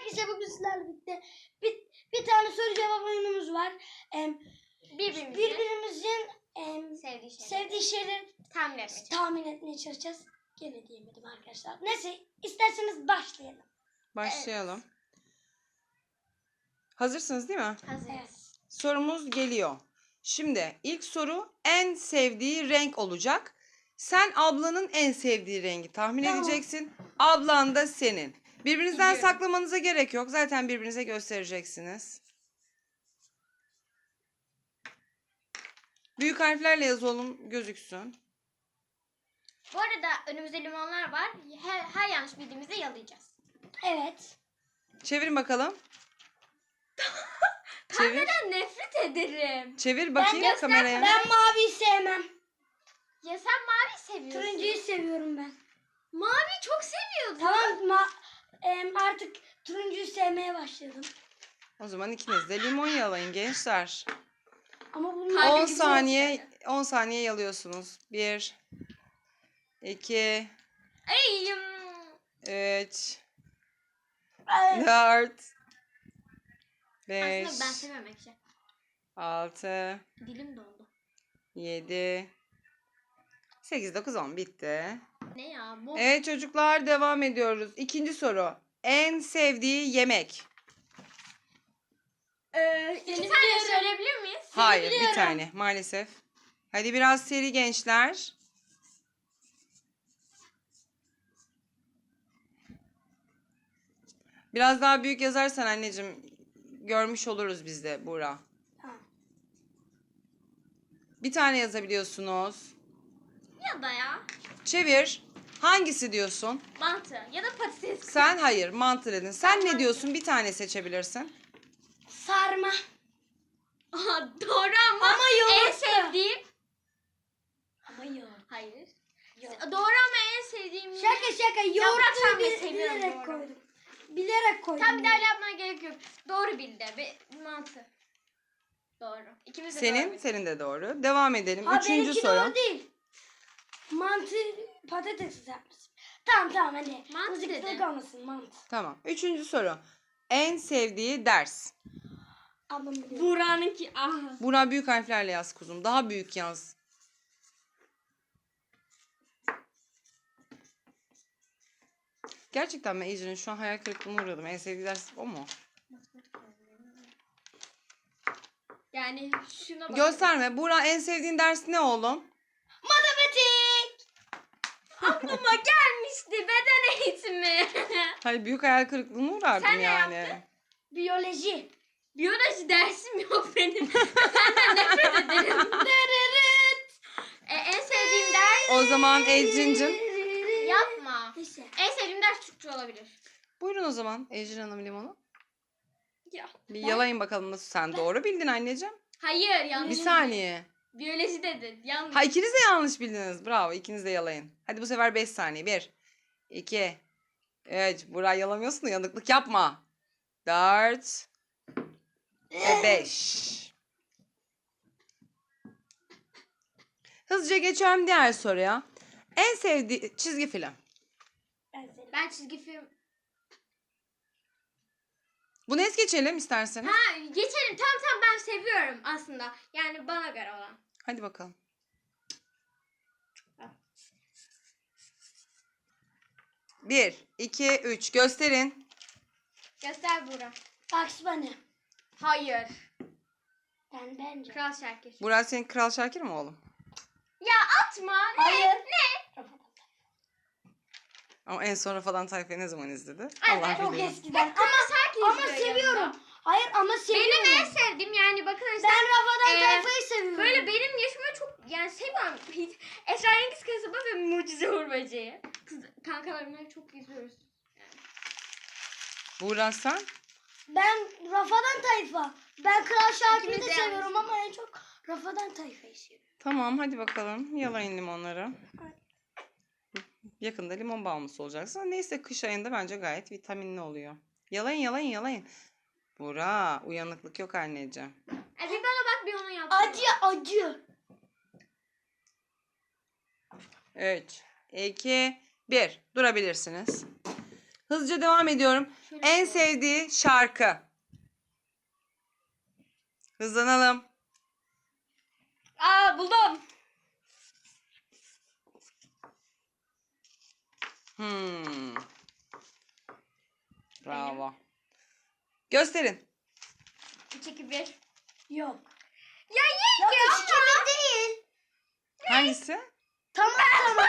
Arkadaşlar bugün sizlerle birlikte bir tane soru cevap oyunumuz var. Birbirimizin sevdiği şeyleri tahmin etmeye çalışacağız. Gene diyemedim arkadaşlar. Neyse, isterseniz başlayalım. Başlayalım. Evet. Hazırsınız değil mi? Hazırız. Evet. Sorumuz geliyor. Şimdi ilk soru en sevdiği renk olacak. Sen ablanın en sevdiği rengi tahmin edeceksin. Ablan da senin. Birbirinizden saklamanıza gerek yok. Zaten birbirinize göstereceksiniz. Büyük harflerle yazalım, gözüksün. Bu arada önümüzde limonlar var. Her yanlış bildiğimizde yalayacağız. Evet. Çevirin bakalım. Çevir. Pembeden nefret ederim. Çevir bakayım kameraya. Ben maviyi sevmem. Ya sen mavi seviyorsun. Turuncuyu seviyorum ben. Mavi çok seviyordun. Tamam, artık turuncuyu sevmeye başladım. O zaman ikiniz de limon yalayın gençler. Ama bunlar 10 saniye yalıyorsunuz. 1 2 3 4 5 Aslında ben sevmem ekşi. 6 Dilim dondu. 7 8 9 10 bitti. Ne ya bu? Evet çocuklar, devam ediyoruz. İkinci soru. En sevdiği yemek. İki tane söyleyebilir miyiz? Hayır, bir tane maalesef. Hadi biraz seri gençler. Biraz daha büyük yazarsan anneciğim görmüş oluruz biz de Buğra. Tamam. Bir tane yazabiliyorsunuz. Ya da ya. Çevir. Hangisi diyorsun? Mantı ya da patates. Sen hayır, mantı dedin. Sen ne diyorsun? Bir tane seçebilirsin. Sarma. Aha, doğru ama yoğurt. en sevdiğim. Ama yoğurt. Hayır. Yoğurt. Doğru ama en sevdiğim. Şaka Yaprak yoğurtu sarmayı seviyorum bilerek doğru. koydum. Bilerek koydum. Tam bir daha yapmaya gerek yok. Doğru bildi. Mantı. Doğru. İkimiz de doğru Senin, bildik. senin de doğru. Devam edelim. Ha, Üçüncü benimki soru. doğru değil. Mantı patates yapmışsın. Tamam hadi. Mantı Mızıklık dedi. olmasın, mantı. Tamam. Üçüncü soru. En sevdiği ders. Ablam biliyor. Buğra'nınki. Buğra büyük harflerle yaz kuzum. Daha büyük yaz. Gerçekten ben Ecrin'in şu an hayal kırıklığına uğradım. En sevdiği ders o mu? Yani şuna bak. Gösterme. Buğra en sevdiğin ders ne oğlum? Matematik. Aklıma gelmişti beden eğitimi. Hayır, büyük hayal kırıklığına uğradım Sen ne yani. yaptın? Biyoloji. Biyoloji dersim yok benim. Senden nefret ederim. En sevdiğim ders O zaman Ecrin'cim. yapma. Neyse. En sevdiğim ders Türkçe olabilir. Buyurun o zaman Ecrin Hanım limonu. Ya. Bir yalayın bakalım nasıl. Sen doğru bildin anneciğim. Hayır yanlış. Bir saniye. Biyoloji dedin. Yanlış. Ha, ikiniz de yanlış bildiniz. Bravo. İkiniz de yalayın. Hadi bu sefer 5 saniye. 1 2 3 Buğra yalamıyorsun da yanıklık yapma. 4 ve 5. Hızlıca geçiyorum diğer soruya. En sevdiği çizgi film. Ben çizgi film. Bunu es geçelim isterseniz. Ha geçelim. Tamam ben seviyorum aslında. Yani bana göre olan. Hadi bakalım. Bir, iki, üç. Gösterin. Göster Buğra. Bugs Bunny. Hayır. Bence. Kral Şakir. Burak senin Kral Şakir mi oğlum? Ya atma. Ne? Hayır. Ne? Ama en son Rafadan Tayfa'yı ne zaman izledi? Evet, Allah Çok bilir. eskiden. Şakir Ama izliyor seviyorum. yanında. Hayır ama seviyorum. Benim en sevdiğim yani bakın işte. Ben Rafadan Ee, Tayfa'yı seviyorum. Böyle benim yaşıma çok yani seviyorum. Esrarengiz Kasaba ve Mucize Uğur Böceği. Kankalarımla çok izliyoruz. Burak sen? Ben Rafadan Tayfa. Ben Kral Şakir'i İkimiz de de seviyorum ama en çok Rafadan Tayfa'yı seviyorum. Tamam hadi bakalım. Yalayın limonları. Yakında limon bağımlısı olacaksın. Neyse kış ayında bence gayet vitaminli oluyor. Yalayın. Burak uyanıklık yok anneciğim. Bir bana bak bir onu yap. Acı. 3, 2, 1. Durabilirsiniz. Hızlıca devam ediyorum. Şöyle En koy. sevdiği şarkı. Hızlanalım. Aa buldum. Bravo. Gösterin. 3, 2, 1. Yok. Ya Yok yenge 3 2 1 değil. Hangisi? Tamam tamam.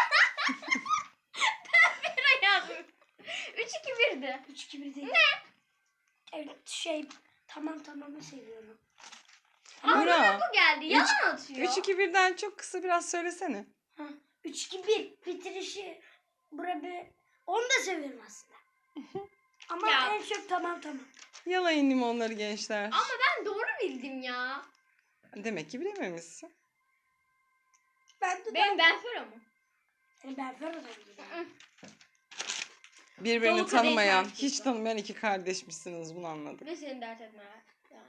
Ben yazdım. 3, 2, 1'di. 3 2 1 değil. Evet tamamı seviyorum. Burak. Bu geldi. Yalan atıyor. 3-2-1'den çok kısa biraz söylesene. 3 2 1 bitirişi onu da seviyorum aslında. Ama Ya. en çok tamam. Yalayın limonları gençler. Ama ben doğru bildim ya. Demek ki bilememişsin. Ben Benfero mu? Ben Ferhat'a gidiyorum. Birbirini Dolu kadeh tanımayan, şarkısı. hiç tanımayan iki kardeşmişsiniz, bunu anladık. Ve seni dert etme. Yani.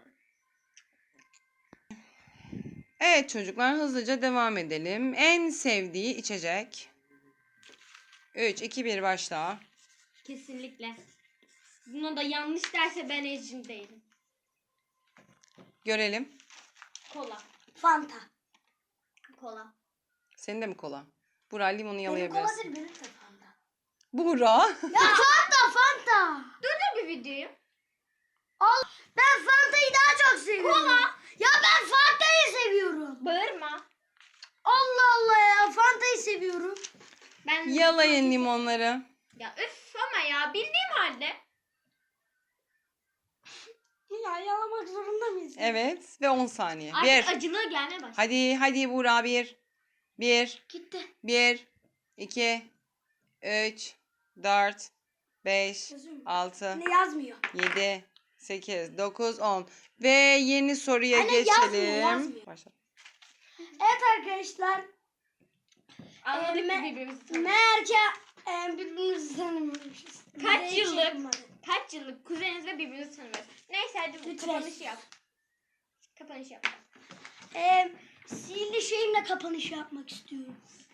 Evet çocuklar, hızlıca devam edelim. En sevdiği içecek. 3, 2, 1 başla. Kesinlikle. Buna da yanlış derse ben ecim değilim. Görelim. Kola. Fanta. Kola. Senin de mi kola? Burak, limonu Benim kola yalayabilirsin. değil benim de Fanta. Burak. Ya Fanta. Dur bir videoyu. Ben Fanta'yı daha çok seviyorum. Kola. Ya ben Fanta'yı seviyorum. Bağırma. Allah Allah ya Fanta'yı seviyorum. Ben Yalayın limonları. Ya üf ama ya bildiğim halde. Ya yalamak zorunda mıyız? Evet ve 10 saniye. Artık 1. acılığı gelmeye başladı. Hadi Burak, 1. 1. Gitti. 1, 2, 3, 4, 5, Yazıyor mu? 6, Ne yazmıyor? 7, 8, 9, 10. Ve yeni soruya Anne, yazmıyor, geçelim. yazmıyor. Başla. Evet arkadaşlar. Anladık me- ki birbirimizi tanıyoruz. Meğer ki birbirimizi tanımıyormuşuz. Kaç Bize hiç yıllık? yapmadı. Kaç yıllık kuzeniz ve birbirinizi tanımıyoruz. Neyse hadi Lütfen. kapanışı yap. Kapanış yap. Sihirli şeyimle kapanış yapmak istiyorum.